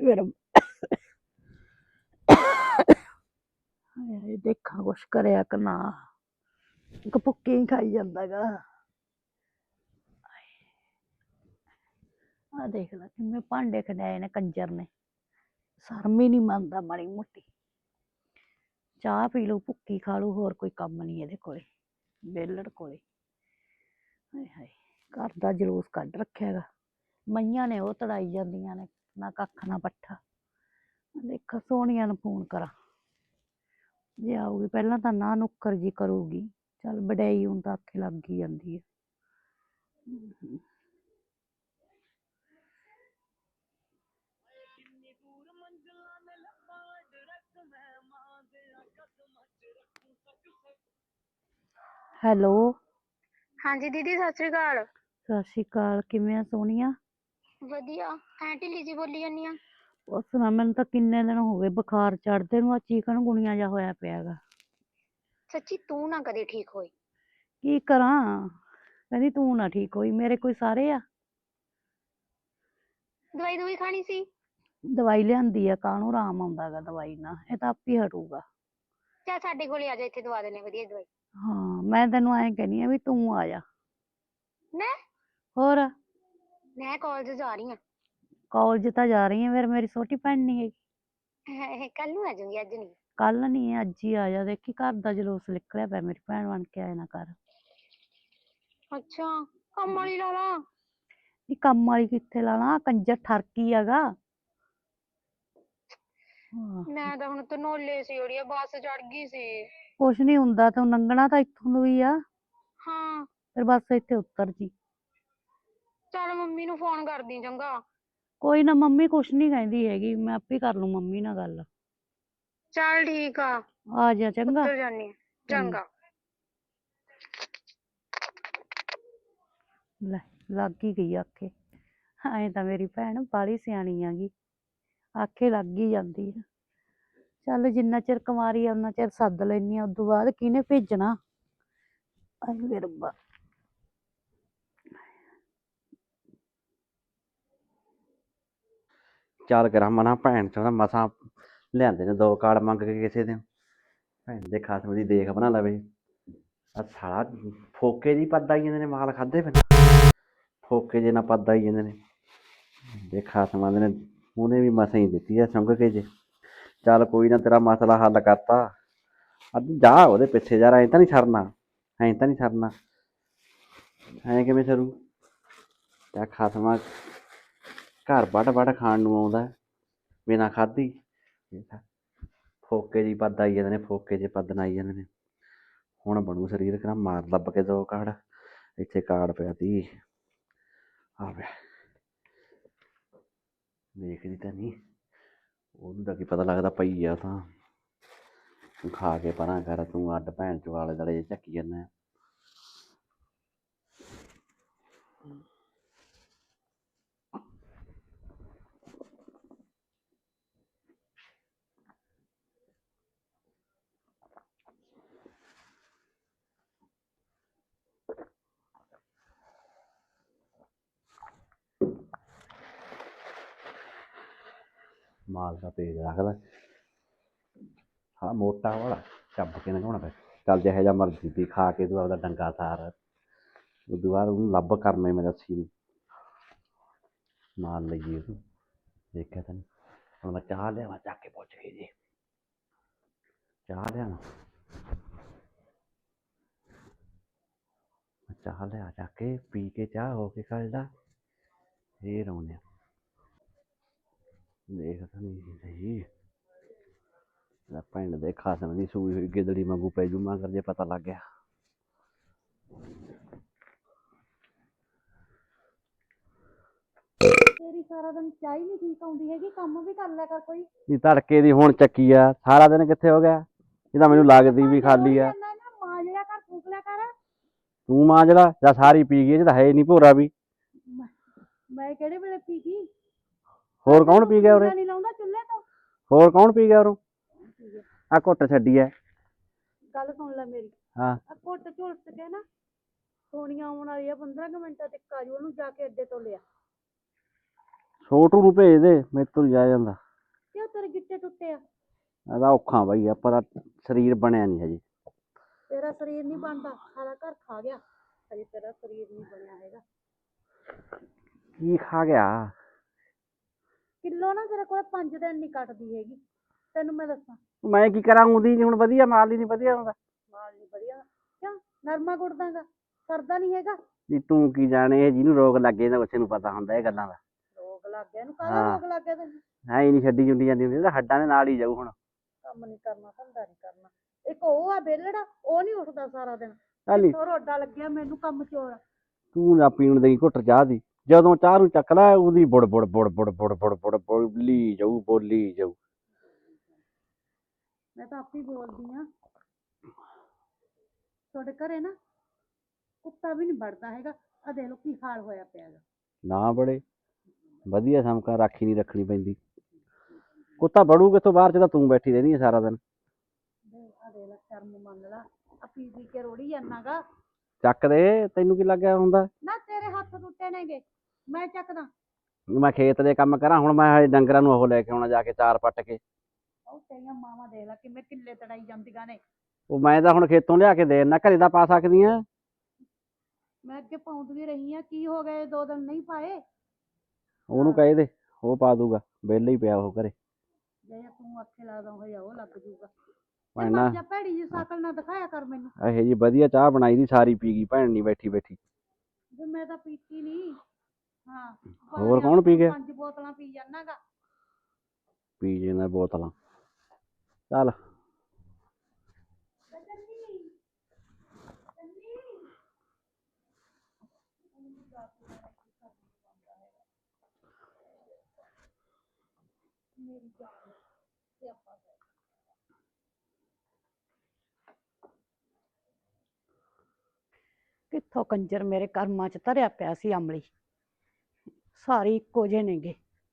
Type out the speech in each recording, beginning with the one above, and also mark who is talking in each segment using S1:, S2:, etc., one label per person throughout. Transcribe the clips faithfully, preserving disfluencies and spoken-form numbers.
S1: ਫਿਰ ਹਾਏ ਦੇਖਾਂ ਕੁਛ ਕਰਿਆ ਕਿ ਨਾ ਇੱਕ ਭੁੱਕੀ ਹੀ ਖਾਈ ਜਾਂਦਾ ਗਾ। ਆ ਦੇਖ ਲੈ ਕਿਵੇਂ ਭਾਂਡੇ ਖੜਾਏ ਨੇ ਕੰਜਰ ਨੇ, ਸ਼ਰਮ ਹੀ ਨਹੀਂ ਮੰਨਦਾ ਮਾੜੀ ਮੋਟੀ। ਚਾਹ ਪੀ ਲੂ, ਭੁੱਕੀ ਖਾ ਲੂ, ਹੋਰ ਕੋਈ ਕੰਮ ਨਹੀਂ ਇਹਦੇ ਕੋਲੇ, ਵਿਹਲੜ ਕੋਲੇ। ਹਾਏ ਹਾਏ ਘਰ ਦਾ ਜਲੂਸ ਕੱਢ ਰੱਖਿਆ ਗਾ। ਮਈਆਂ ਨੇ ਉਹ ਤੜਾਈ ਜਾਂਦੀਆਂ ਨੇ, ਨਾ ਕੱਖ ਨਾ ਪੱਠਾ। ਦੇਖਾਂ ਸੋਹਣੀਆਂ ਨੂੰ ਫੋਨ ਕਰਾਂ, ਜੇ ਆਊਗੀ। ਪਹਿਲਾਂ ਤਾਂ ਨਾ ਨੁੱਕਰ ਜੀ ਕਰੂਗੀ, ਚੱਲ ਵਡਿਆਈ ਹੁਣ ਤਾਂ ਆਖੇ ਲੱਗ ਹੀ ਜਾਂਦੀ ਹੈ। ਹੈਲੋ
S2: ਹਾਂਜੀ ਦੀਦੀ ਸਤਿ ਸ੍ਰੀ ਅਕਾਲ।
S1: ਸਤਿ ਸ਼੍ਰੀ ਅਕਾਲ, ਕਿਵੇਂ ਆ ਸੋਹਣੀਆ?
S2: ਵਧੀਆ। ਐਂ ਢਿੱਲੀ ਜੀ ਬੋਲੀ ਜਾਂਦੀ ਆ।
S1: ਉਸ ਨਾਲ ਮੈਨੂੰ ਤਾਂ ਕਿੰਨੇ ਦਿਨ ਹੋ ਗਏ ਬੁਖਾਰ ਚੜਦੇ ਨੂੰ, ਆ ਚੀਕਨ ਗੁਣੀਆਂ ਜਿਹਾ ਹੋਇਆ ਪਿਆ ਗਾ।
S2: ਸੱਚੀ ਤੂੰ ਨਾ ਕਦੇ ਠੀਕ ਹੋਈ।
S1: ਕੀ ਕਰਾਂ, ਕਹਿੰਦੀ ਤੂੰ ਨਾ ਠੀਕ ਹੋਈ, ਮੇਰੇ ਕੋਈ ਸਾਰੇ ਆ।
S2: ਦਵਾਈ ਦੂਈ ਖਾਣੀ ਸੀ।
S1: ਦਵਾਈ ਲਿਆਂਦੀ ਆ, ਕਾਹਨੂੰ ਆਰਾਮ ਆਉਂਦਾ ਗਾ ਦਵਾਈ ਨਾਲ, ਇਹ ਤਾਂ ਆਪ ਹੀ ਹਟੂਗਾ।
S2: ਚੱਲ ਸਾਡੇ ਕੋਲੇ ਆ ਜਾ, ਇੱਥੇ ਦਵਾ ਦੇਣੇ ਵਧੀਆ ਦਵਾਈ।
S1: ਹਾਂ ਮੈਂ ਤੈਨੂੰ ਐਂ ਕਹਿੰਦੀ ਆ ਵੀ ਤੂੰ ਆ ਜਾ।
S2: ਮੈਂ
S1: ਹੋਰ
S2: ਮੈਂ ਕਾਲਜ ਜਾ ਰਹੀ
S1: ਕਾਲਜ ਤਾਂ ਜਾ ਰਹੀ ਆ, ਫਿਰ ਮੇਰੀ ਛੋਟੀ ਭੈਣ ਨਹੀਂ ਹੈਗੀ।
S2: ਹਾਂ। ਕੱਲ ਨੂੰ ਆ ਜਾਊਂਗੀ, ਅੱਜ ਨਹੀਂ।
S1: ਕੱਲ ਨਹੀਂ, ਅੱਜ ਹੀ ਆ ਜਾ। ਦੇਖੀ ਘਰ ਦਾ ਜਲੂਸ ਨਿਕਲਿਆ ਪਿਆ, ਮੇਰੀ ਭੈਣ ਬਣ ਕੇ ਆਇਆ ਨਾ ਕਰ।
S2: ਅੱਛਾ ਕੰਮ ਵਾਲੀ ਲਾ ਲਾ।
S1: ਨੀ ਕੰਮ ਵਾਲੀ ਕਿੱਥੇ ਲਾਣਾ, ਕੰਜਰ ਠਰਕੀ ਹੈਗਾ।
S2: ਮੈਂ ਤਾਂ ਹੁਣ ਧਨੋਲੇ ਸੀ, ਉਹਦੀ ਬੱਸ ਚੜ ਗਈ ਸੀ।
S1: ਕੁਛ ਨੀ ਹੁੰਦਾ, ਤੂੰ ਲੰਘਣਾ ਤਾਂ ਇੱਥੋਂ ਨੂੰ ਹੀ ਆ।
S2: ਹਾਂ
S1: ਫਿਰ ਬਸ ਇੱਥੇ ਉਤਰ ਜੀ।
S2: ਚੱਲ ਮੰਮੀ ਨੂੰ ਫੋਨ ਕਰਦੀ ਚੰਗਾ।
S1: ਕੋਈ ਨਾ, ਮੰਮੀ ਕੁਛ ਨੀ ਕਹਿੰਦੀ ਹੈਗੀ, ਮੈਂ ਆਪੇ ਕਰ ਲੂ ਮੰਮੀ ਨਾਲ ਗੱਲ।
S2: ਚੱਲ ਠੀਕ ਆ,
S1: ਆ ਜਾ ਚੰਗਾ।
S2: ਉੱਤਰ ਜਾਨੀ ਆ। ਚੰਗਾ।
S1: ਲੈ ਲੱਗ ਹੀ ਗਈ ਆਖੇ। ਐਂ ਤਾਂ ਮੇਰੀ ਭੈਣ ਬਾਹਲੀ ਸਿਆਣੀ ਆਗੀ, ਆਖੇ ਲੱਗ ਹੀ ਜਾਂਦੀ ਆ। ਚੱਲ ਜਿੰਨਾ ਚਿਰ ਕੁਮਾਰੀ ਆ ਉਨਾ ਚਿਰ ਸੱਦ ਲੈਨੀ ਆ, ਉਦੋਂ ਬਾਅਦ ਕਿਹਨੇ ਭੇਜਣਾ। ਆਏ ਵੇ ਰੱਬਾ।
S3: ਚੱਲ ਕਰਾਂ ਮਨਾ, ਭੈਣ ਚੋਂ ਮਸਾਂ ਲਿਆਂਦੇ ਨੇ ਦੋ ਕਾਰਡ ਮੰਗ ਕੇ ਕਿਸੇ ਦੇ। ਭੈਣ ਦੇ ਖਸਮ ਦੀ ਦੇਖ ਬਣਾ ਲਵੇ। ਆ ਸਾਲਾ ਫੋਕੇ ਜਿਹੀ ਪੱਦ ਆਈ ਜਾਂਦੇ ਨੇ, ਮਾਲ ਖਾਧੇ ਬਿਨਾਂ ਫੋਕੇ ਜਿਹੇ ਨਾਲ ਪੱਦ ਆਈ ਜਾਂਦੇ ਨੇ। ਦੇ ਖਸਮਾਂ ਦੇ ਨੇ, ਉਹਨੇ ਵੀ ਮਸਾਂ ਹੀ ਦਿੱਤੀ ਆ ਸੁੰਘ ਕੇ ਜੇ। ਚੱਲ ਕੋਈ ਨਾ, ਤੇਰਾ ਮਸਲਾ ਹੱਲ ਕਰਤਾ। ਅੱਜ ਜਾ ਉਹਦੇ ਪਿੱਛੇ ਯਾਰ, ਐਂ ਤਾਂ ਨਹੀਂ ਸਰਨਾ, ਐਂ ਤਾਂ ਨਹੀਂ ਸਰਨਾ, ਐਂ ਕਿਵੇਂ ਸਰੂ? ਤੇ ਖਸਮਾਂ ਘਰ ਵੱਢ ਵੱਢ ਖਾਣ ਨੂੰ ਆਉਂਦਾ ਬਿਨਾਂ ਖਾਧੀ। ਫੋਕੇ ਜਿਹੀ ਪੱਦ ਆਈ ਜਾਂਦੇ ਨੇ, ਫੋਕੇ ਜਿਹੇ ਪੱਦ ਨਾਲ ਆਈ ਜਾਂਦੇ ਨੇ। ਹੁਣ ਬਣੂ ਸਰੀਰ, ਕਹਿੰਦਾ ਮਾਰ ਲੱਭ ਕੇ ਦੋ ਕਾਰਡ। ਇੱਥੇ ਕਾਰਡ ਪਿਆ ਤੀ, ਆ ਪਿਆ। ਦੇਖਦੀ ਤਾਂ ਨਹੀਂ, ਉਹਨੂੰ ਤਾਂ ਕੀ ਪਤਾ ਲੱਗਦਾ ਪਈ ਆ ਤਾਂ। ਤੂੰ ਖਾ ਕੇ ਪਰਾਂ ਕਰ, ਤੂੰ ਅੱਡ ਭੈਣ ਚੋਂ ਆਲੇ ਦੁਆਲੇ ਝੱਕੀ ਜਾਂਦਾ। ਮਾਲ ਦਾ ਪੇਜ ਰੱਖਦਾ, ਹਾਂ ਮੋਟਾ ਵਾਲਾ ਚੱਬ ਕੇ ਲੰਘਾਉਣਾ ਪੈ। ਚੱਲ ਜਿਹੋ ਜਿਹਾ ਮਰਜ਼ੀ ਤੀ, ਖਾ ਕੇ ਤੂੰ ਆਪਦਾ ਡੰਗਾ ਸਾਰ। ਉਦੋਂ ਬਾਅਦ ਉਹਨੂੰ ਲੱਭ ਕਰਨਾ ਮੈਂ ਰੱਸੀ ਨੂੰ ਨਾਲ ਲਈਏ ਉਹਨੂੰ। ਦੇਖਿਆ ਤੈਨੂੰ ਹੁਣ ਮੈਂ ਚਾਹ ਲਿਆਵਾਂ ਚੱਕ ਕੇ ਪੁੱਛ ਕੇ ਜੀ, ਚਾਹ ਲਿਆਵਾਂ, ਚਾਹ ਲਿਆ ਚੱਕ ਕੇ, ਪੀ ਕੇ ਚਾਹ ਹੋ ਕੇ ਕੱਢਦਾ ਫੇਰ ਆਉਂਦੇ ਆ। ਦੇਖ ਤਾਂ ਨਹੀਂ ਸਹੀ, ਪਿੰਡ ਦੇ ਖਸਮ ਦੀ ਸੂਈ ਹੋਈ ਗਿੱਦੜੀ ਵਾਂਗੂ ਪੈ ਜੂ ਮਗਰ ਜੇ ਪਤਾ ਲੱਗ ਗਿਆ।
S1: ਤੇਰੀ ਸਾਰਾ ਦਿਨ ਚਾਹ ਹੀ ਨਹੀਂ ਠੀਕ ਆਉਂਦੀ ਹੈਗੀ, ਕੰਮ ਵੀ ਕਰ ਲਿਆ ਕਰ ਕੋਈ।
S3: ਨਹੀਂ ਤੜਕੇ ਦੀ ਹੁਣ ਚੱਕੀ ਆ, ਸਾਰਾ ਦਿਨ ਕਿੱਥੇ ਹੋ ਗਿਆ? ਇਹ ਤਾਂ ਮੈਨੂੰ ਲੱਗਦੀ ਵੀ ਖਾਲੀ ਆ।
S1: ਮਾਂਜ ਲਿਆ ਕਰ, ਫੂਕ ਲਿਆ ਕਰ।
S3: ਤੂੰ ਮਾਂਜ ਲਾ ਜਾਂ ਸਾਰੀ ਪੀ ਗਈ, ਇਹ 'ਚ ਤਾਂ ਹੈ ਨਹੀਂ ਭੋਰਾ ਵੀ।
S1: ਮੈਂ ਕਿਹੜੇ ਵੇਲੇ ਪੀ ਗਈ?
S3: ਹੋਰ ਕੌਣ ਪੀ ਗਿਆ ਉਰੇ?
S1: ਨਹੀਂ ਲਾਉਂਦਾ ਚੁੱਲ੍ਹੇ ਤੋਂ।
S3: ਹੋਰ ਕੌਣ ਪੀ ਗਿਆ ਉਰੋਂ? ਆ ਘੁੱਟ ਛੱਡੀ ਐ।
S1: ਗੱਲ ਸੁਣ ਲੈ ਮੇਰੀ।
S3: ਹਾਂ
S1: ਆ ਘੁੱਟ ਝੁਲਸ ਕੇ ਨਾ, ਸੋਨੀਆ ਆਉਣ ਵਾਲੀ ਆ, ਪੰਦਰਾਂ ਕੁ ਮਿੰਟਾਂ ਤੱਕ ਆ ਜਾਊ, ਉਹਨੂੰ ਜਾ ਕੇ ਅੱਡੇ ਤੋਂ ਲਿਆ।
S3: ਛੋਟੂ ਨੂੰ ਭੇਜ ਦੇ, ਮੇਰੇ ਤੋਂ ਨੀ ਜਾਇਆ ਜਾਂਦਾ।
S1: ਕਿਉਂ ਤੇਰੇ ਗਿੱਟੇ ਟੁੱਟੇ ਆ?
S3: ਇਹਦਾ ਔਖਾ ਬਾਈ, ਆਪਾਂ ਦਾ ਸਰੀਰ ਬਣਿਆ ਨਹੀਂ ਹਜੇ।
S1: ਤੇਰਾ ਸਰੀਰ ਨਹੀਂ ਬਣਦਾ, ਸਾਰਾ ਘਰ ਖਾ ਗਿਆ, ਹਜੇ ਤੇਰਾ ਸਰੀਰ ਨਹੀਂ ਬਣਿਆ ਹੈਗਾ।
S3: ਕੀ ਖਾ ਗਿਆ?
S1: ਕਿਲੋ ਨਾ ਤੇਰੇ ਕੋਲ ਪੰਜ ਦਿਨ ਨਹੀਂ ਕੱਟਦੀ ਹੈਗੀ, ਤੈਨੂੰ ਮੈਂ ਦੱਸਾਂ।
S3: ਮੈਂ ਕੀ ਕਰਾਂ, ਉਹਦੀ ਨੀ ਹੁਣ ਵਧੀਆ, ਮਾਲ ਹੀ ਨਹੀਂ ਵਧੀਆ ਹੁੰਦਾ।
S1: ਮਾਲ ਨਹੀਂ ਵਧੀਆ ਕਿਉਂ? ਨਰਮਾ ਗੁੜਦਾਗਾ, ਸਰਦਾ ਨਹੀਂ ਹੈਗਾ।
S3: ਜੀ ਤੂੰ ਕੀ ਜਾਣੇ, ਇਹ ਜਿਹਨੂੰ ਰੋਗ ਲੱਗ ਜਾਂਦਾ ਉਸੇ ਨੂੰ ਪਤਾ ਹੁੰਦਾ ਇਹ ਗੱਲਾਂ ਦਾ।
S1: ਰੋਗ ਲੱਗ ਗਿਆ ਇਹਨੂੰ, ਕਾਹਦਾ ਰੋਗ ਲੱਗ ਗਿਆ ਤੈਨੂੰ?
S3: ਹੈ ਹੀ ਨਹੀਂ, ਛੱਡੀ ਜੁੰਡੀ ਜਾਂਦੀ ਹੁੰਦੀ, ਤਾਂ ਹੱਡਾਂ ਦੇ ਨਾਲ ਹੀ ਜਾਊ ਹੁਣ।
S1: ਕੰਮ ਨਹੀਂ ਕਰਨਾ, ਧੰਦਾ ਨਹੀਂ ਕਰਨਾ। ਇੱਕ ਉਹ ਆ ਬੇਲੜਾ, ਉਹ ਨਹੀਂ ਉੱਠਦਾ ਸਾਰਾ ਦਿਨ।
S3: ਚੱਲ
S1: ਹੋਰ ਰੋਡਾ ਲੱਗਿਆ ਮੈਨੂੰ ਕੰਮ ਚੋਰ।
S3: ਤੂੰ ਨਾ ਪੀਣ ਦੇਈ ਘੁੱਟ ਚਾਹ ਦੀ, ਜਦੋਂ ਚਾਹ ਨੂੰ ਚੱਕ ਲੈ ਉਹਦੀ ਬੁੜ ਬੁੜ ਬੁੜ ਬੁੜ ਬੁੜ ਬੁੜ ਬੁੜ ਬੋਲੀ ਜਾਊ, ਬੋਲੀ ਜਾਊ।
S1: ਮੈਂ ਤਾਂ ਆਪੇ ਬੋਲਦੀ ਆ। ਤੁਹਾਡੇ ਘਰੇ ਨਾ ਕੁੱਤਾ ਵੀ ਨਹੀਂ ਵੜਦਾ ਹੈਗਾ, ਆ ਦੇਖ ਲੋ ਕੀ ਹਾਲ ਹੋਇਆ ਪਿਆ ਗਾ।
S3: ਨਾ ਬੜੇ ਵਧੀਆ ਸਮਕਾ, ਰਾਖੀ ਨਹੀਂ ਰੱਖਣੀ ਪੈਂਦੀ। ਕੁੱਤਾ ਬੜੂ ਕਿੱਥੋਂ, ਬਾਹਰ ਚ ਤਾਂ ਤੂੰ ਬੈਠੀ ਰਹਿੰਦੀ ਆ ਸਾਰਾ ਦਿਨ।
S1: ਆ ਦੇਖ ਲੈ, ਸ਼ਰਮ ਮੰਨ ਲਾ, ਆ ਪੀ ਪੀ ਕੇ ਰੋੜੀ ਜਾਨਾਗਾ।
S3: ਚੱਕ ਦੇ, ਤੈਨੂੰ ਕੀ ਲੱਗਿਆ ਹੁੰਦਾ?
S1: ਨਾ ਤੇਰੇ ਹੱਥ ਟੁੱਟੇ ਨੇਗੇ, ਮੈਂ ਚੱਕਦਾ।
S3: ਮੈਂ ਖੇਤ ਦੇ ਕੰਮ ਕਰਾਂ, ਹੁਣ ਮੈਂ ਹਜੇ ਡੰਗਰਾਂ ਨੂੰ ਉਹ ਲੈ ਕੇ ਆਉਣਾ, ਜਾ ਕੇ ਚਾਰ ਪੱਟ ਕੇ।
S1: ਉਹ ਤੇਰੀਆਂ ਮਾਵਾਂ ਦੇਖ ਲੈ ਕਿਵੇਂ ਕਿੱਲੇ ਤੜਾਈ ਜਾਂਦੀਆਂ ਨੇ।
S3: ਉਹ ਮੈਂ ਤਾਂ ਹੁਣ ਖੇਤੋਂ ਲਿਆ ਕੇ ਦੇ ਨਾ, ਘਰੇ ਦਾ ਪਾ ਸਕਦੀ ਆ।
S1: ਮੈਂ ਅੱਗੇ ਪਾਉਂਦੀ ਰਹੀ ਆ, ਕੀ ਹੋ ਗਏ ਦੋ ਦਿਨ ਨਹੀਂ ਪਾਏ?
S3: ਉਹਨੂੰ ਕਹਿ ਦੇ, ਉਹ ਪਾ ਦੂਗਾ, ਵਿਹਲੇ ਹੀ ਪਿਆ ਉਹ ਘਰੇ।
S1: ਜੇ ਤੂੰ ਅੱਖੇ ਲਾਦਾ ਹੋਇਆ ਉਹ ਲੱਗ ਜੂਗਾ।
S3: ਭੈਣਾ
S1: ਜਾਂ ਭੈੜੀ ਜੀ ਸ਼ਕਲ ਨਾ ਦਿਖਾਇਆ ਕਰ ਮੈਨੂੰ।
S3: ਇਹੋ ਜੀ ਵਧੀਆ ਚਾਹ ਬਣਾਈ ਦੀ, ਸਾਰੀ ਪੀ ਗਈ ਭੈਣ ਨਹੀਂ ਬੈਠੀ ਬੈਠੀ।
S1: ਵੀ ਮੈਂ ਤਾਂ ਪੀਤੀ ਨਹੀਂ। ਹਾਂ
S3: ਹੋਰ ਕੌਣ ਪੀ ਗਿਆ?
S1: ਪੰਜ ਬੋਤਲਾਂ ਪੀ ਜਾਨਾਗਾ।
S3: ਪੀ ਜਾਂਦਾ ਬੋਤਲਾਂ, ਚੱਲ।
S1: ਕਿੱਥੋਂ ਕੰਜਰ ਮੇਰੇ ਕਰਮਾਂ ਚ ਧਰਿਆ ਪਿਆ ਸੀ ਅਮਲੀ, ਸਾਰੇ ਇੱਕੋ ਜਿਹੇ ਨੇਗੇ।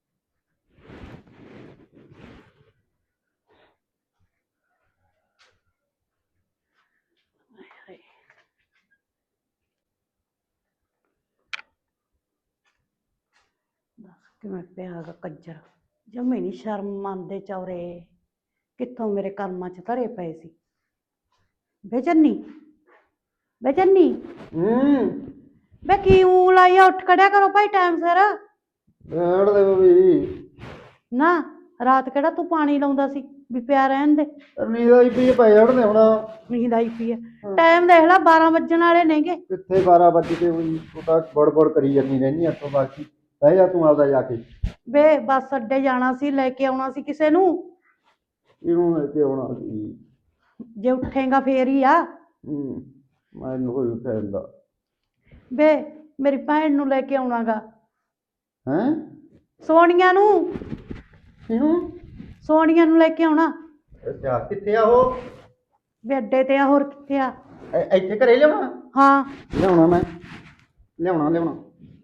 S1: ਦੱਸ ਕਿਵੇਂ ਪਿਆ ਗਾ ਕੰਜਰ, ਜਮੇ ਨੀ ਸ਼ਰਮ ਮੰਨਦੇ ਚੌਰੇ, ਕਿੱਥੋਂ ਮੇਰੇ ਕਰਮਾਂ ਚ ਧਰੇ ਪਏ ਸੀ। ਬੇਚੰਨੀ ਬੇਚੰਨੀ
S4: ਹੂੰ
S1: ਬੇ ਕੀ ਊਂ ਲਾਈਆ, ਉੱਠ ਖੜਿਆ ਕਰੋ ਭਾਈ ਟਾਈਮ ਸਿਰ।
S4: ਬੈਠ ਦੇ ਬਈ।
S1: ਨਾ ਰਾਤ ਕਿਹੜਾ ਤੂੰ ਪਾਣੀ ਲਾਉਂਦਾ ਸੀ ਵੀ ਪਿਆ ਰਹਿਣ ਦੇ?
S4: ਨੀਂਦ ਆਈ ਪਈ ਪੈ ਜਾਣ ਦੇ ਹੁਣ।
S1: ਨੀਂਦ ਆਈ ਪਈ ਹੈ, ਟਾਈਮ ਦੇਖ ਲੈ ਬਾਰਾਂ ਵੱਜਣ ਵਾਲੇ ਨੇਗੇ।
S4: ਕਿੱਥੇ ਬਾਰਾਂ ਵਜੇ ਤੇ ਹੋਈ, ਤੂੰ ਤਾਂ ਬੜਬੜ ਕਰੀ ਜਾਂਦੀ ਰਹਿੰਦੀ ਹੱਥੋਂ ਬਾਕੀ। ਬਹਿ ਜਾ ਤੂੰ ਆਪਦਾ ਜਾ ਕੇ।
S1: ਵੇ ਬੱਸ ਅੱਡੇ ਜਾਣਾ ਸੀ, ਲੈ ਕੇ ਆਉਣਾ ਸੀ ਕਿਸੇ ਨੂੰ।
S4: ਇਹਨੂੰ ਲੈ ਕੇ ਆਉਣਾ ਸੀ।
S1: ਜੇ ਉੱਠੇਗਾ ਫੇਰ ਹੀ ਆ।
S4: ਹੂੰ ਮੈਨੂੰ ਕੋਈ ਉੱਠਣ ਦਾ।
S1: ਵੇ ਮੇਰੀ ਭੈਣ ਨੂੰ ਲੈ ਕੇ ਆਉਣਾਗਾ।
S4: ਹੈਂ?
S1: ਸੋਨੀਆ ਨੂੰ।
S4: ਕਿਹਨੂੰ?
S1: ਸੋਨੀਆ ਨੂੰ ਲੈ ਕੇ ਆਉਣਾ।
S4: ਅੱਛਾ ਕਿੱਥੇ ਆ ਉਹ?
S1: ਵੇ ਅੱਡੇ ਤੇ ਆ, ਹੋਰ ਕਿੱਥੇ ਆ?
S4: ਇ- ਇੱਥੇ ਘਰੇ ਲਿਆਉਣਾ?
S1: ਹਾਂ
S4: ਲਿਆਉਣਾ ਮੈਂ, ਲਿਆਉਣਾ ਲਿਆਉਣਾ।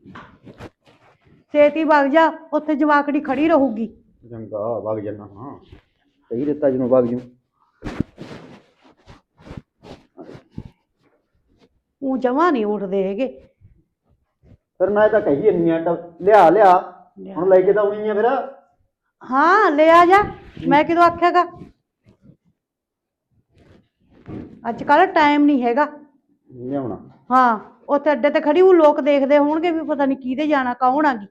S1: ਛੇਤੀ ਵਗ ਜਾ, ਉੱਥੇ ਜਵਾਕੜੀ ਖੜੀ ਰਹੂਗੀ।
S4: ਚੰਗਾ ਵਗ ਜਾਣਾ। ਹਾਂ ਸਹੀ ਦਿੱਤਾ ਜਿਹਨੂੰ ਵਗ ਜੂ।
S1: ਉਹ ਜਮਾ ਨਹੀਂ ਉੱਠਦੇ ਹੈਗੇ।
S4: ਫਿਰ ਮੈਂ ਤਾਂ ਕਹੀ ਇੰਨੀ ਆ, ਲਿਆ ਲਿਆ ਹੁਣ ਲੈ ਕੇ ਤਾਂ ਆਉਣੀ ਆ ਫਿਰ।
S1: ਹਾਂ ਲੈ ਆ ਜਾ, ਮੈਂ ਕਿਦੋਂ ਆਖਿਆਗਾ? ਅੱਜ ਕੱਲ ਟਾਈਮ ਨਹੀਂ ਹੈਗਾ।
S4: ਲਿਆਉਣਾ।
S1: ਹਾਂ ਉੱਥੇ ਅੱਡੇ ਤੇ ਖੜੀ ਉਹ ਲੋਕ ਦੇਖਦੇ ਹੋਣਗੇ ਵੀ ਪਤਾ ਨਹੀਂ ਕਿਹਦੇ ਜਾਣਾ, ਕੌਣ ਆ ਗਈ।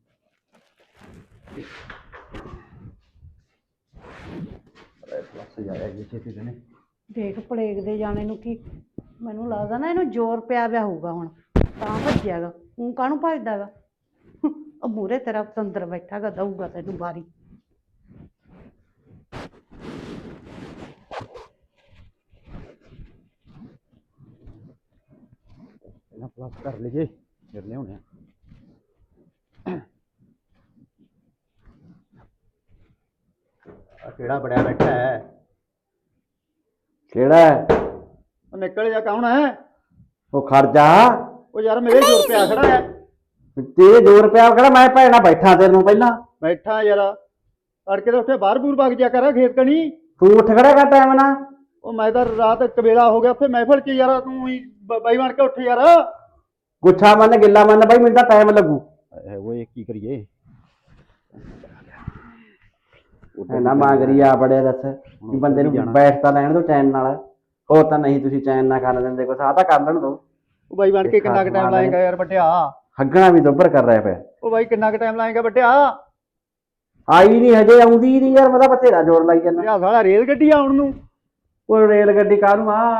S1: ਦੇਖ ਪਲੇਗ ਦੇ ਜਾਣੇ ਨੂੰ ਕੀ, ਮੈਨੂੰ ਲੱਗਦਾ ਨਾ ਇਹਨੂੰ ਜ਼ੋਰ ਪਿਆ ਪਿਆ ਹੋਊਗਾ ਹੁਣ, ਤਾਂ ਭੱਜਿਆਗਾ। ਉਹ ਕਾਹਨੂੰ ਭੱਜਦਾਗਾ? ਉਹ ਮੂਹਰੇ ਤੇਰਾ ਪਤੰਦਰ ਬੈਠਾਗਾ, ਦਊਗਾ ਤੈਨੂੰ ਬਾਰੀ।
S4: ਪਹਿਲਾਂ ਪਲੱਸ ਕਰ ਲਈਏ ਫਿਰ ਲਿਆਉਣੇ ਆ। ਆ ਕਿਹੜਾ ਬੜਿਆ ਬੈਠਾ ਹੈ?
S3: ਕਿਹੜਾ ਹੈ?
S4: ਉਹ ਨਿਕਲ ਜਾ, ਕੌਣ ਹੈ?
S3: ਉਹ ਖਰਜਾ,
S4: ਉਹ ਯਾਰ ਮੇਰੇ ਜੋਰ ਪਿਆ ਖੜਾ ਹੈ।
S3: ਤੇਰੇ ਦੋ ਰੁਪਇਆ ਕਿਹੜਾ, ਮੈਂ ਭੈਣਾ ਬੈਠਾ ਤੇਰੇ ਨੂੰ ਪਹਿਲਾਂ।
S4: ਬੈਠਾ ਯਾਰ, ਤੜਕੇ ਤਾਂ ਉੱਥੇ ਬਾਹਰ ਬੂਰ ਵਗ ਜਾ ਕਰ ਖੇਤ ਕਣੀ।
S3: ਤੂੰ ਉੱਠ ਖੜਾ ਕਰ ਟਾਈਮ ਨਾਲ।
S4: ਉਹ ਮੈਂ ਤਾਂ ਰਾਤ ਕਵੇਲਾ ਹੋ ਗਿਆ ਉੱਥੇ ਮਹਿਫਲ ਚ ਯਾਰ, ਤੂੰ ਹੀ ਬਾਈ ਬਣ ਕੇ ਉੱਠ ਯਾਰ।
S3: ਗੁੱਛਾ ਮੰਨ, ਗਿੱਲਾ ਮੰਨ ਬਾਈ, ਮੈਨੂੰ ਤਾਂ ਟਾਈਮ ਲੱਗੂ।
S4: ਓਏ ਕੀ ਕਰੀਏ?
S3: ਨਾ ਮਾਂਗਰੀ ਆ ਬੜੇ ਦੱਸ ਵੀ ਬੰਦੇ ਨੂੰ ਬੈਠ ਤਾਂ ਲੈਣ ਦੋ ਚੈਨ ਨਾਲ, ਹੋਰ ਤਾਂ ਨਹੀਂ ਤੁਸੀਂ ਚੈਨ ਨਾਲ ਕਰ ਦਿੰਦੇ ਕੁਛ, ਆਹ ਤਾਂ ਕਰ ਲੈਣ ਦੋ।
S4: ਉਹ ਬਾਈ ਬਣ ਕੇ ਕਿੰਨਾ ਕੁ ਟਾਈਮ ਲਾਏਗਾ ਯਾਰ ਵੱਟਿਆ?
S3: ਹੱਗਣਾ ਵੀ ਦੁੱਬਰ ਕਰ ਰਿਹਾ ਪਿਆ।
S4: ਉਹ ਬਾਈ ਕਿੰਨਾ ਕੁ ਟਾਈਮ ਲਾਏਗਾ ਵੱਟਿਆ?
S3: ਆਈ ਨਹੀਂ ਹਜੇ, ਆਉਂਦੀ ਨਹੀਂ ਯਾਰ, ਮੈਂ ਤਾਂ ਬਥੇਰਾ ਜ਼ੋਰ ਲਾਈ ਜਾਂਦਾ।
S4: ਯਾ ਸਾਲਾ ਰੇਲ ਗੱਡੀ ਆਉਣ ਨੂੰ।
S3: ਉਹ ਰੇਲ ਗੱਡੀ ਕਾਹਨੂੰ ਆ?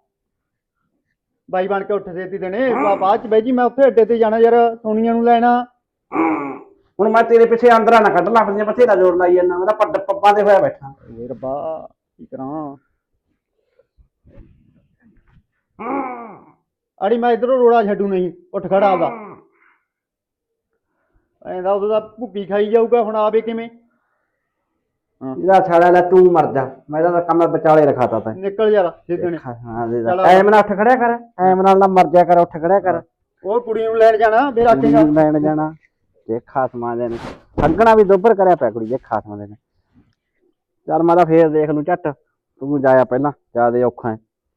S4: ਬਾਈ ਬਣ ਕੇ ਉੱਠ ਸੇਤੀ ਦੇਣੇ, ਬਾਅਦ ਚ ਬਾਈ ਜੀ ਮੈਂ ਉੱਥੇ ਅੱਡੇ ਤੇ ਜਾਣਾ ਯਾਰ, ਸੋਨੀਆ ਨੂੰ ਲੈਣਾ।
S3: ਹੁਣ ਮੈਂ ਤੇਰੇ ਪਿੱਛੇ ਅੰਦਰਾਂ ਨਾ ਕੱਢ ਲੱਗ ਬਥੇਰਾ ਜ਼ੋਰ ਲਾਈ ਜਾਂਦਾ, ਮੈਂ ਤਾਂ ਪੱਡ ਪੱਪਾਂ ਤੇ ਹੋਇਆ ਬੈਠਾ।
S4: ਏ ਰੱਬਾ ਕੀ ਕਰਾਂ? ਅੜੀ ਮੈਂ ਇਧਰੋਂ ਰੋੜਾ ਛੱਡੂ ਨਹੀਂ, ਉੱਠ ਖੜਾ ਆਪਦਾ। ਐਂਦਾ ਉਦੋਂ ਦਾ ਭੁੱਕੀ ਖਾਈ ਜਾਊਗਾ, ਹੁਣ ਆਵੇ ਕਿਵੇਂ?
S3: ਇਹਦਾ ਛਾੜਾ ਲੈ, ਤੂੰ ਮਰ ਜਾ, ਮੈਂ ਤਾਂ ਕੰਮ ਵਿਚਾਲੇ ਰਖਾਤਾ ਤੈਂ।
S4: ਨਿਕਲ ਯਾਰ ਸਿੱਧਣੇ।
S3: ਐਮ ਨਾਲ ਉੱਠ ਖੜਿਆ ਕਰ, ਐਮ ਨਾਲ ਨਾ ਮਰ ਜਾ ਕਰ, ਉੱਠ ਖੜਿਆ ਕਰ।
S4: ਉਹ ਕੁੜੀ ਨੂੰ ਲੈਣ ਜਾਣਾ, ਫੇਰ ਆਖੇਗਾ
S3: ਲੈਣ ਜਾਣਾ। ਜੇ ਖਾਸਮਾਂ ਦੇ ਨੇ ਹੱਗਣਾ ਵੀ ਦੁੱਬਰ ਕਰਿਆ ਪਿਆ ਕੁੜੀ, ਜੇ ਖਾਸਮਾਂ ਦੇ ਨੇ। ਚੱਲ ਮੈਂ ਤਾਂ ਫੇਰ ਦੇਖ ਲੂ ਝੱਟ, ਤੂੰ ਜਾਇਆ ਪਹਿਲਾਂ, ਜਿਆਦੇ ਔਖਾ ਹੈ।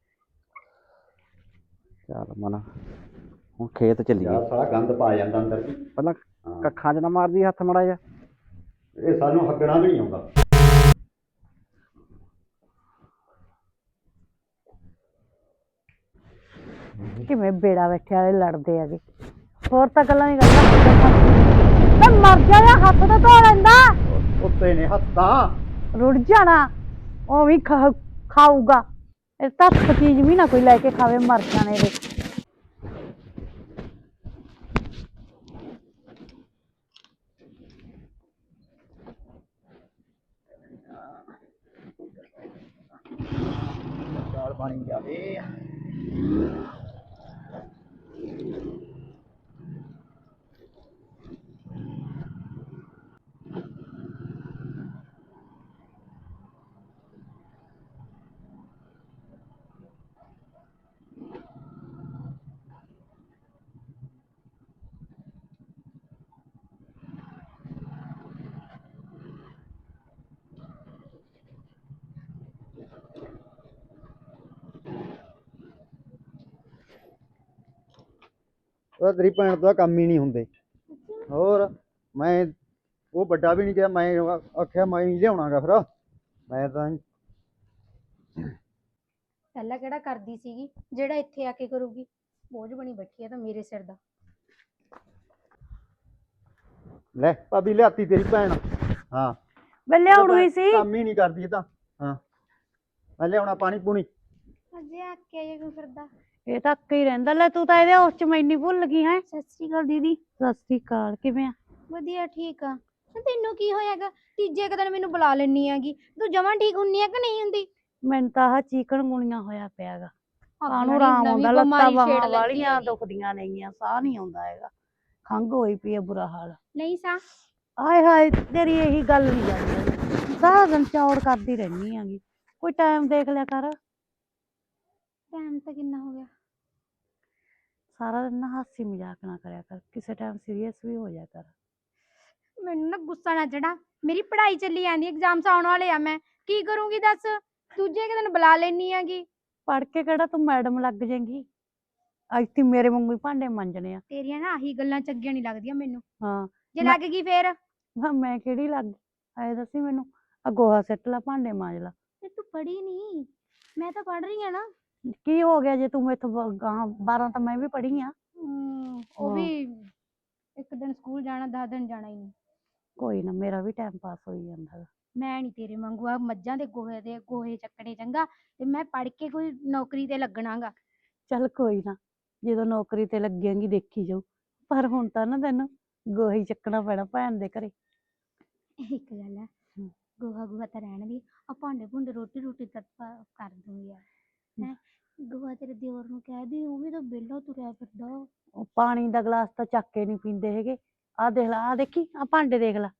S3: ਚੱਲ ਮਨਾ ਹੁਣ ਖੇਤ ਚੱਲੀਏ।
S4: ਸਾਲਾ ਗੰਦ ਪਾ ਜਾਂਦਾ ਅੰਦਰ ਵੀ।
S3: ਪਹਿਲਾਂ ਕੱਖਾਂ 'ਚ ਨਾ ਮਾਰਦੀ ਹੱਥ ਮੜਾ ਜਾ।
S4: ਇਹ ਸਾਨੂੰ ਹੱਗਣਾ ਵੀ ਨਹੀਂ ਆਉਂਦਾ।
S1: ਕਿਵੇਂ ਬੇੜਾ ਬੈਠੇ ਵਾਲੇ ਲੜਦੇ ਹੈਗੇ, ਹੋਰ ਤਾਂ ਗੱਲਾਂ ਨਹੀਂ ਕਰਦਾ। ਮਰ ਜਾ, ਹੱਥ ਤਾਂ ਧੋ ਲੈਂਦਾ।
S4: ਉੱਤੇ ਨੇ ਹੱਥਾਂ
S1: ਰੁੜ ਜਾਣਾ, ਉਹ ਵੀ ਖਾਊਗਾ। ਇਹ ਤਾਂ ਚੀਜ਼ ਵੀ ਨਾ ਕੋਈ ਲੈ ਕੇ ਖਾਵੇ, ਮਰ ਜਾਣੇ ਦੇ।
S4: ਦਾਲ ਪਾਣੀ ਜਾਵੇ। ਉਹ ਤੇਰੀ ਭੈਣ ਤੋਂ ਕੰਮ ਹੀ ਨਹੀਂ ਹੁੰਦੇ। ਹੋਰ ਮੈਂ ਉਹ ਵੱਡਾ ਵੀ ਨਹੀਂ ਗਿਆ, ਮੈਂ ਆਖਿਆ ਮੈਂ ਹੀ ਲਿਆਉਣਾਗਾ, ਫਿਰ ਮੈਂ ਤਾਂ
S2: ਪਹਿਲਾਂ ਕਿਹੜਾ ਕਰਦੀ ਸੀਗੀ, ਜਿਹੜਾ ਇੱਥੇ ਆ ਕੇ ਕਰੂਗੀ। ਬੋਝ ਬਣੀ ਬੈਠੀ ਆ ਤਾਂ ਮੇਰੇ ਸਿਰ ਦਾ।
S4: ਲੈ ਭਾਬੀ ਲਿਆਤੀ ਤੇਰੀ ਭੈਣ। ਹਾਂ
S1: ਮੈਂ ਲਿਆਉਣੀ ਸੀ,
S4: ਕੰਮ ਹੀ ਨਹੀਂ ਕਰਦੀ ਇਹ ਤਾਂ। ਹਾਂ ਮੈਂ ਲਿਆਉਣਾ ਪਾਣੀ ਪੂਣੀ।
S2: ਅਜੇ ਆ ਕੇ ਜੇ ਕਿਉਂ ਫਿਰਦਾ?
S1: ਇਹ ਤਾਂ ਅੱਕੇ ਹੀ ਰਹਿੰਦਾ। ਲੈ ਤੂੰ ਤਾਂ ਇਹਦੇ ਉਸ ਚ ਮੈਨੀ ਭੁੱਲ ਗਈ ਹੈ। ਸਤਿ ਸ੍ਰੀ ਅਕਾਲ ਦੀਦੀ। ਸਤਿ ਸ੍ਰੀ ਅਕਾਲ, ਕਿਵੇਂ ਆ?
S2: ਵਧੀਆ ਠੀਕ ਆ। ਤੈਨੂੰ ਕੀ ਹੋਇਆਗਾ? ਤੀਜੇ ਕੁ ਦਿਨ ਮੈਨੂੰ ਬੁਲਾ ਲੈਣੀ ਆਗੀ। ਤੂੰ ਜਮਾਂ ਠੀਕ ਹੁੰਨੀ ਆ ਕਿ ਨਹੀਂ ਹੁੰਦੀ?
S1: ਮੈਨੂੰ ਤਾਂ ਆਹ ਚੀਕਣ ਗੁਣੀਆਂ ਹੋਇਆ ਪਿਆਗਾ। ਕਾਹਨੂੰ
S2: ਆਪਣੀ
S1: ਆਰਾਮ
S2: ਨਵੀਂ
S1: ਆਉਂਦਾ, ਲੱਤਾਂ
S2: ਬਿਮਾਰੀ ਛੇੜ
S1: ਬਾਹਾਂ
S2: ਲੱਗੀ
S1: ਵਾਲੀਆਂ
S2: ਹੈਗੀ।
S1: ਦੁਖਦੀਆਂ ਨੇਗੀਆਂ, ਸਾਹ ਨਹੀਂ ਆਉਂਦਾ ਹੈਗਾ, ਖੰਘ ਹੋਈ ਪਈ ਹੈ ਬੁਰਾ ਹਾਲ।
S2: ਨਹੀਂ ਸਾ
S1: ਆਏ ਹਾਏ, ਤੇਰੀ ਇਹੀ ਗੱਲ ਨਹੀਂ ਜਾਂਦੀ, ਸਾਰਾ ਦਿਨ ਚੌੜ ਕਰਦੀ ਰਹਿੰਦੀ ਹੈਗੀ। ਕੋਈ ਟਾਈਮ ਦੇਖ ਲਿਆ ਕਰ।
S2: ਟਾਈਮ ਤਾਂ ਕਿੰਨਾ ਹੋ ਗਿਆ?
S1: ਸਾਰਾ ਦਿਨ ਨਾ ਹਾਸੀ ਮਜ਼ਾਕ ਨਾ ਕਰਿਆ ਕਰ, ਕਿਸੇ ਟਾਈਮ ਸੀਰੀਅਸ ਵੀ ਹੋ ਜਾ ਕਰ।
S2: ਮੈਨੂੰ ਨਾ ਗੁੱਸਾ ਨਾ ਚੜਾ। ਮੇਰੀ ਪੜ੍ਹਾਈ ਚੱਲੀ ਜਾਂਦੀ, ਐਗਜ਼ਾਮਸ ਆਉਣ ਵਾਲੇ ਆ, ਮੈਂ ਕੀ ਕਰੂੰਗੀ ਦੱਸ? ਦੂਜੇ ਕੁ ਦਿਨ ਬੁਲਾ ਲੈਣੀ ਆਗੀ।
S1: ਪੜ੍ਹ ਕੇ ਕਿਹੜਾ ਤੂੰ ਮੈਡਮ ਲੱਗ ਜਾਏਗੀ? ਅੱਜ ਤੀ ਮੇਰੇ ਵਾਂਗੂ ਹੀ ਭਾਂਡੇ ਮਾਂਜਣੇ ਆ।
S2: ਤੇਰੀਆਂ ਨਾ ਆਹੀ ਗੱਲਾਂ ਚੰਗੀਆਂ ਨਹੀਂ ਲੱਗਦੀਆਂ ਮੈਨੂੰ।
S1: ਹਾਂ
S2: ਜੇ
S1: ਮੈਂ-
S2: ਲੱਗ ਗਈ ਫੇਰ?
S1: ਹਾਂ ਮੈਂ ਕਿਹੜੀ ਲੱਗ ਗਈ? ਆਏ ਦੱਸੀ ਮੈਨੂੰ, ਆ ਗੋਹਾ ਸਿੱਟ ਲਾ, ਭਾਂਡੇ ਮਾਂਜ ਲਾ।
S2: ਤੇ ਤੂੰ ਪੜ੍ਹੀ ਨਹੀਂ, ਮੈਂ ਤਾਂ ਪੜ੍ਹ ਰਹੀ ਆ ਨਾ।
S1: ਕੀ ਹੋ ਗਿਆ ਜੇ ਤੂੰ ਮੈਥੋਂ ਗਾਹਾਂ ਬਾਰਾਂ ਤਾਂ ਮੈਂ ਵੀ ਪੜ੍ਹੀ ਆ।
S2: ਹਮ, ਉਹ
S1: ਹਾਂ।
S2: ਵੀ ਇੱਕ ਦਿਨ ਸਕੂਲ ਜਾਣਾ, ਦਸ ਦਿਨ ਜਾਣਾ ਹੀ ਨਹੀਂ।
S1: ਕੋਈ ਨਾ, ਮੇਰਾ ਵੀ ਟਾਈਮ ਪਾਸ ਹੋਈ ਜਾਂਦਾ ਗਾ।
S2: ਮੈਂ ਨਹੀਂ ਤੇਰੇ ਵਾਂਗੂ ਆ ਮੱਝਾਂ ਦੇ ਗੋਹੇ ਦੇ ਗੋਹੇ ਚੱਕਣੇ ਚੰਗਾ, ਤੇ ਮੈਂ ਪੜ੍ਹ ਕੇ ਕੋਈ ਨੌਕਰੀ ਤੇ ਲੱਗਣਾਗਾ।
S1: ਚੱਲ ਕੋਈ ਨਾ, ਜਦੋਂ ਨੌਕਰੀ ਤੇ ਲੱਗੇਂਗੀ ਦੇਖੀ ਜਾਊ, ਪਰ ਹੁਣ ਤਾਂ ਨਾ ਤੈਨੂੰ ਗੋਹਾ ਹੀ ਚੱਕਣਾ ਪੈਣਾ ਭੈਣ ਦੇ ਘਰੇ।
S2: ਇੱਕ ਗੱਲ ਹੈ, ਗੋਹਾ ਗੋਹਾ ਤਾਂ ਰਹਿਣ ਦੀ, ਆ ਭਾਂਡੇ ਭੁੰਡੇ ਰੋਟੀ ਰੋਟੀ ਤਾਂ ਕਰ ਦੂੰ ਯਾਰ। ਹੈ ਗੋਹਾ ਤੇਰੇ ਦਿਓਰ ਨੂੰ ਕਹਿ ਦੀ, ਉਹ ਵੀ ਤਾਂ ਵਿਹਲਾ ਤੁਰਿਆ ਫਿਰਦਾ।
S1: ਉਹ ਪਾਣੀ ਦਾ ਗਲਾਸ ਤਾਂ ਚੱਕ ਕੇ ਨਹੀਂ ਪੀਂਦੇ ਹੈਗੇ। ਆਹ ਦੇਖ ਲਾ, ਆਹ ਦੇਖੀ, ਆਹ ਭਾਂਡੇ ਦੇਖ ਲਾ।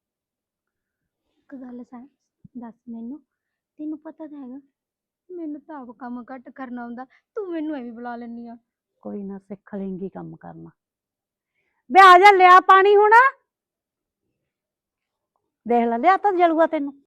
S2: ਇੱਕ ਗੱਲ ਸਾ ਦੱਸ ਮੈਨੂੰ, ਤੈਨੂੰ ਪਤਾ ਤਾਂ ਹੈਗਾ ਮੈਨੂੰ ਤਾਂ ਆਪ ਕੰਮ ਘੱਟ ਕਰਨਾ ਆਉਂਦਾ, ਤੂੰ ਮੈਨੂੰ ਐਵੇਂ ਬੁਲਾ ਲੈਂਦੀ ਆ।
S1: ਕੋਈ ਨਾ, ਸਿੱਖ ਲੇਂਗੀ ਕੰਮ ਕਰਨਾ। ਬੇ ਆ ਜਾ, ਲਿਆ ਪਾਣੀ ਹੁਣ। ਦੇਖ ਲੈ, ਲਿਆ ਤਾਂ ਜਲੂਆ ਤੈਨੂੰ।